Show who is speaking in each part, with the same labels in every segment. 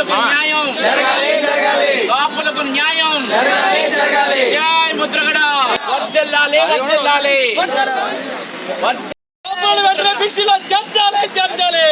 Speaker 1: కాపులకు న్యాయం కాపులకు న్యాయం జై ముద్రగడ వర్ధిల్లాలి వర్ధిల్లాలి
Speaker 2: బీసీలో చేర్చాలి చేర్చాలి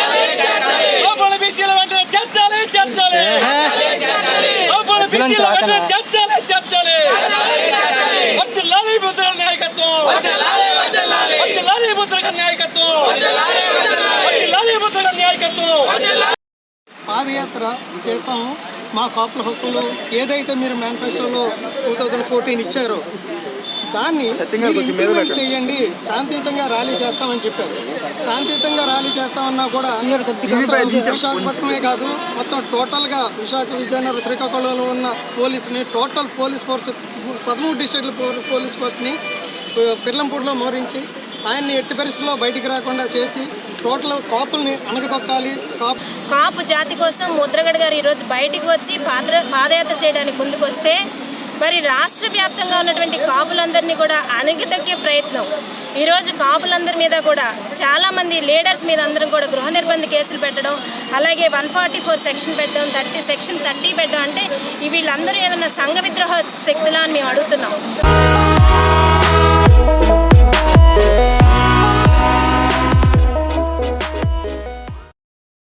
Speaker 2: బీసీల వెంటనే చేర్చాలి చేర్చాలి బీసీల వెంటనే చేర్చాలి చేర్చాలి వర్ధిల్లాలి ముద్రగడ నాయకత్వం వర్ధిల్లాలి ముద్రగడ నాయకత్వం వర్ధిల్లాలి ముద్రగడ నాయకత్వం.
Speaker 3: పాదయాత్ర చేస్తాము. మా కాపుల హక్కులు ఏదైతే మీరు మేనిఫెస్టోలో 2014 ఇచ్చారో దాన్ని ఇంప్లిమెంట్ చేయండి, శాంతియుతంగా ర్యాలీ చేస్తామని చెప్పారు. శాంతియుతంగా ర్యాలీ చేస్తామన్నా కూడా విశాఖపట్నమే కాదు మొత్తం టోటల్గా విశాఖ, విజయనగరం, శ్రీకాకుళంలో ఉన్న పోలీసుని టోటల్ పోలీస్ ఫోర్స్ 13 డిస్ట్రిక్ట్ల పోలీస్ ఫోర్స్ని పిర్లంపూడిలో మోరించి ఆయన్ని ఎట్టి పరిస్థితుల్లో బయటికి రాకుండా చేసి టోటల్ కాపుల్ని అణగదొక్కాలి.
Speaker 4: కాపు జాతి కోసం ముద్రగడ గారు ఈరోజు బయటికి వచ్చి పాదయాత్ర చేయడానికి ముందుకు వస్తే మరి రాష్ట్ర వ్యాప్తంగా ఉన్నటువంటి కాపులందరినీ కూడా అణగిదొక్కే ప్రయత్నం. ఈరోజు కాపులందరి మీద కూడా చాలామంది లీడర్స్ మీద అందరం కూడా గృహ నిర్బంధ కేసులు పెట్టడం, అలాగే 144 సెక్షన్ పెట్టడం, సెక్షన్ 30 పెట్టడం. అంటే వీళ్ళందరూ ఏమైనా సంఘ విద్రోహ శక్తులా అని మేము అడుగుతున్నాం.